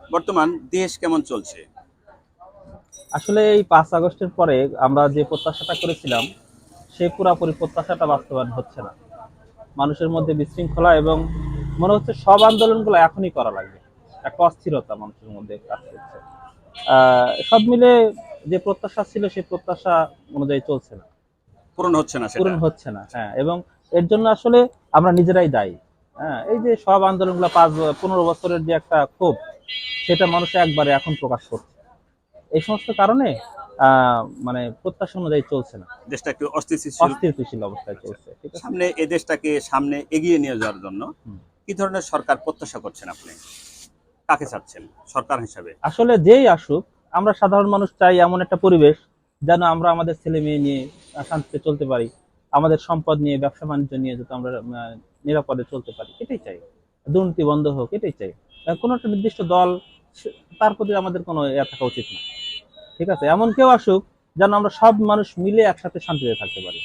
বর্তমান দেশ কেমন চলছে? আসলে এই 5 আগস্টের পরে আমরা যে প্রত্যাশাটা করেছিলাম সেই পুরাপুরি প্রত্যাশাটা বাস্তবায়ন হচ্ছে না। মানুষের মধ্যে বিশৃঙ্খলা এবং মনে হচ্ছে সব আন্দোলনগুলো এখনই করা লাগবে। একটা অস্থিরতা মানুষের মধ্যে কাজ করছে। সব মিলে যে প্রত্যাশা ছিল সেই প্রত্যাশা অনুযায়ী চলছে না, পূরণ হচ্ছে না সেটা। পূরণ হচ্ছে না। হ্যাঁ, এবং এর জন্য আসলে আমরা নিজেরাই দায়ী। হ্যাঁ, এই যে সব আন্দোলনগুলো 15 বছরের যে একটা ক্ষোভ, সেটা মানুষ একবারে এখন প্রকাশ করছে। এই সমস্ত কারণে মানে প্রত্যাশা অনুযায়ী চলছে না, দেশটা একটু অস্থিতিশীল। অস্থিতিশীল অবস্থায় আচ্ছা, চলছে। ঠিক আছে। সামনে এই দেশটাকে সামনে এগিয়ে নিয়ে যাওয়ার জন্য হুম। কি ধরনের সরকার প্রত্যাশা করছেন আপনি? কাকে চাচ্ছেন সরকার হিসাবে? আসলে যেই আসুক, আমরা সাধারণ মানুষ চাই এমন একটা পরিবেশ যেন আমরা আমাদের ছেলে মেয়ে নিয়ে শান্তিতে চলতে পারি, আমাদের সম্পদ নিয়ে, ব্যবসা বাণিজ্য নিয়ে যাতে আমরা নিরাপদে চলতে পারি, এটাই চাই। দুর্নীতি বন্ধ হোক, এটাই চাই। কোনো একটা নির্দিষ্ট দল, তার প্রতি আমাদের কোনো থাকা উচিত না। ঠিক আছে, এমন কেউ আসুক যেন আমরা সব মানুষ মিলে একসাথে শান্তিতে থাকতে পারি।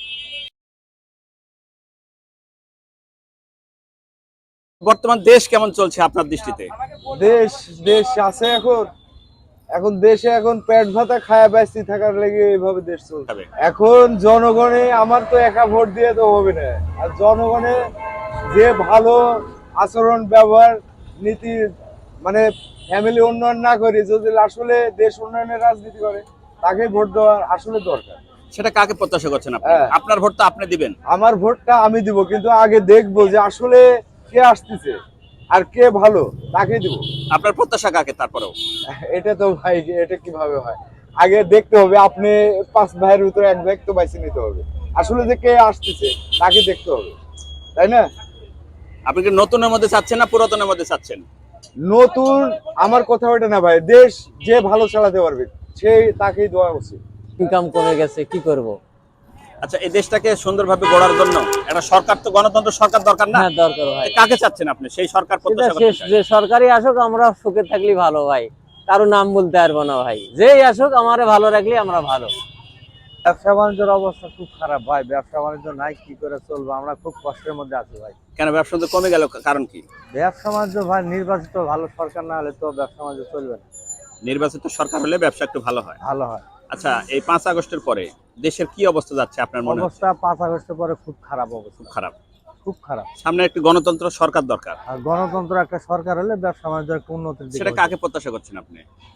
বর্তমান দেশ কেমন চলছে আপনার দৃষ্টিতে? দেশ দেশ আছে এখন। এখন দেশে এখন পেট ভাতা খায়া ব্যস্ত থাকার লেগে এইভাবে দেশ চলছে। তবে এখন জনগণে আমার তো একা ভোট দিয়ে তো হবে না। আর জনগণে যে ভালো আচরণ ব্যবহার নীতি মানে ফ্যামিলি উন্নয়ন না করে যদি আসলে দেশ উন্নয়নের রাজনীতি করে তাকে ভোট দেওয়া আসলে দরকার। সেটা কাকে প্রত্যাশা করছেন আপনি? হ্যাঁ, আপনার ভোট তো আপনি দিবেন। আমার ভোটটা আমি দিব, কিন্তু আগে দেখবো যে আসলে কে আসতেছে আর কে ভালো তাকে দিব। আপনার প্রত্যাশা কাকে তারপরেও? এটা তো ভাই, এটা কিভাবে হয়? আগে দেখতে হবে, আপনি 5 ভাইয়ের ভিতরে এক ভাই তো বাইছে নিতে হবে। আসলে যে কে আসতেছে তাকে দেখতে হবে, তাই না? আপনি কি নতুনের মধ্যে চাচ্ছেন না পুরাতনের মধ্যে চাচ্ছেন? নতুন আমার কথা ওইটা না ভাই, দেশ যে ভালো চালাতে পারবে সেই তাকেই দেওয়া উচিত। ইনকাম কমে গেছে, কি করব? আচ্ছা, এই দেশটাকে সুন্দরভাবে গড়ার জন্য একটা সরকার, তো গণতন্ত্র সরকার দরকার না? হ্যাঁ, দরকার ভাই। কাকে চাচ্ছেন আপনি? সেই সরকার সেটা প্রত্যাশা শেষ, করতে চাই। যে সরকারি আসুক আমরা সুখে থাকলে ভালো ভাই। কারো নাম বলতে পারবো না ভাই, যেই আসুক আমারে ভালো রাখলে আমরা ভালো। ব্যবসা বাণিজ্যের অবস্থা খুব খারাপ ভাই, ব্যবসা বাণিজ্য নাই, কি করে চলবো? আমরা খুব কষ্টের মধ্যে আছি ভাই। কেন ব্যবসা তো কমে গেল, কারণ কি? ব্যবসা বাণিজ্য ভাই, নির্বাচিত ভালো সরকার না হলে তো ব্যবসা বাণিজ্য চলবে না। নির্বাচিত সরকার হলে ব্যবসা একটু ভালো হয়। ভালো হয়। আচ্ছা, এই 5 আগস্টের পরে দেশের কি অবস্থা যাচ্ছে আপনার মনে হচ্ছে? অবস্থা 5 আগস্টের পরে খুব খারাপ খুব অবস্থা, খারাপ। খুব খারাপ। সামনে একটি গণতন্ত্র সরকার দরকার। আর গণতন্ত্র একটা সরকার হলে ব্যবসা বাণিজ্য একটা উন্নতির দিকে সেটা হতো। কাকে প্রত্যাশা করছেন আপনি?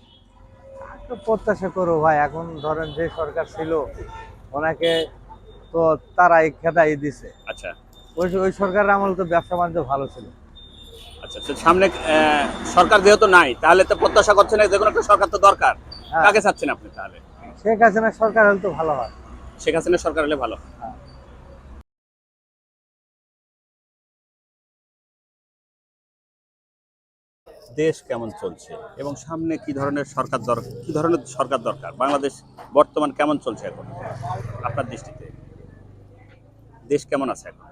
তো প্রত্যাশা করো ভাই, এখন ধরেন যে সরকার ছিল ওনাকে তো তারাই খেদাই দিছে। আচ্ছা ওই ওই সরকারের আমল তো ব্যবসা বাণিজ্য ভালো ছিল। আচ্ছা, তো সামনে সরকার যেহেতু নাই, তাহলে তো প্রত্যাশা করছেন যে কোনো একটা সরকার তো দরকার। হ্যাঁ, কাকে চাচ্ছেন আপনি তাহলে? শেখ হাসিনা সরকার হলে তো ভালো হয়। শেখ হাসিনা সরকার হলে ভালো হয়। হ্যাঁ। দেশ কেমন চলছে এবং সামনে কি ধরনের সরকার দরকার? বাংলাদেশ বর্তমান কেমন চলছে এখন আপনার দৃষ্টিতে? দেশ কেমন আছে এখন?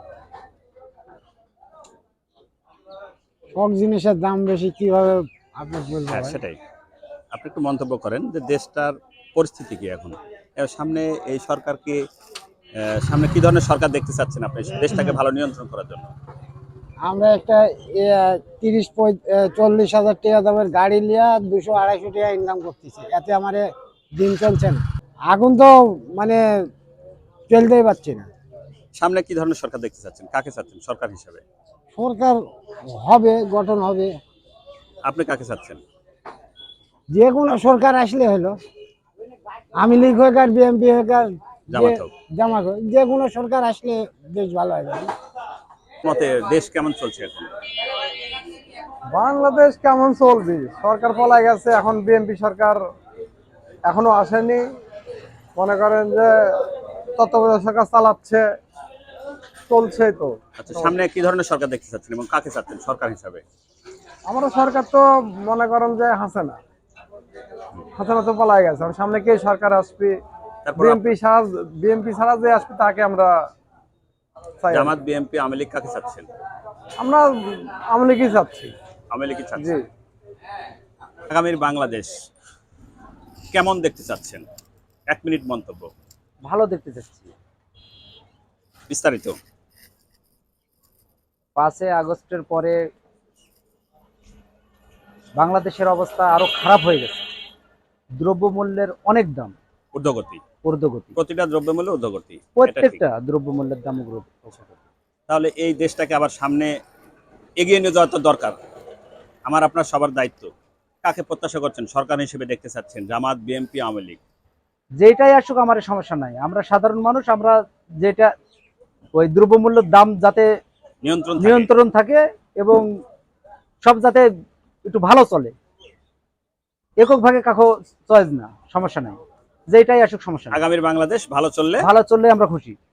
সব জিনিসের দাম বেশি, কিভাবে আপনি বলবো হ্যাঁ, ভাই? সেটাই। আপনি একটু মন্তব্য করেন যে দেশটার পরিস্থিতি কি এখন? সামনে এই সরকারকে সামনে কি ধরনের সরকার দেখতে চাচ্ছেন আপনি দেশটাকে ভালো নিয়ন্ত্রণ করার জন্য? আমরা একটা 30-40 হাজার টাকা দামের গাড়ি লিয়া 200-250 টাকা ইনকাম করতেছি, এতে আমার দিন চলছে না। এখন তো মানে চলতেই পারছি না। সামনে কি ধরনের সরকার দেখতে চাচ্ছেন? কাকে চাচ্ছেন সরকার হিসাবে? সরকার হবে, গঠন হবে, আপনি কাকে চাচ্ছেন? যে কোনো সরকার আসলে হলো। আমি লীগ হোক আর বিএনপি হোক আর যে জামাত হোক। জামাত হোক, যে কোনো সরকার আসলে বেশ ভালো হবে। মতে দেশ কেমন চলছে এখন? বাংলাদেশ কেমন চলবে? সরকার পলাই গেছে, এখন বিএনপি সরকার এখনো আসেনি। মনে করেন যে তত্ত্বাবধায়ক সরকার চালাচ্ছে, চলছে তো। আচ্ছা, সামনে কি ধরনের সরকার দেখতে চাচ্ছেন এবং কাকে চাচ্ছেন সরকার হিসাবে? আমরা সরকার তো মনে করেন যে হাসিনা, হাসিনা তো পলাই গেছে, আর সামনে কে সরকার আসবে? তারপর বিএনপি ছাড়া যে আসবে তাকে আমরা চাই আর জামাত, কি। বিএনপি, আওয়ামী লীগ কাকে চাচ্ছেন? আমরা আওয়ামী লীগই চাচ্ছি। আওয়ামী লীগই জি। চাচ্ছেন। আগামীর বাংলাদেশ কেমন দেখতে চাচ্ছেন? 1 মিনিট মন্তব্য। ভালো দেখতে চাচ্ছি। বিস্তারিত। 5 আগস্টের পরে বাংলাদেশের অবস্থা আরো খারাপ হয়ে গেছে। দ্রব্যমূল্যের অনেক দাম, ঊর্ধ্বগতি, ঊর্ধ্বগতি, প্রতিটা দ্রব্যমূল্য ঊর্ধ্বগতি, এটা ঠিক। প্রত্যেকটা দ্রব্যমূল্যের দাম ঊর্ধ্বগতি। তাহলে এই দেশটাকে আবার সামনে এগিয়ে নিয়ে যাওয়া তো দরকার। আমার আপনার সবার দায়িত্ব। কাকে প্রত্যাশা করছেন সরকার হিসেবে দেখতে চাচ্ছেন? জামাত, বিএনপি, আওয়ামী লীগ? যেটাই আসুক আমার সমস্যা নাই, আমরা সাধারণ মানুষ, আমরা যেটা ওই দ্রব্যমূল্যের দাম যাতে নিয়ন্ত্রণ থাকে। নিয়ন্ত্রণ থাকে এবং সব যাতে একটু ভালো চলে, একক ভাগে কাকো চয়েস না, সমস্যা নাই, যেটাই আসুক সমস্যা নাই। আগামীর বাংলাদেশ ভালো চললে ভালো চললে আমরা খুশি।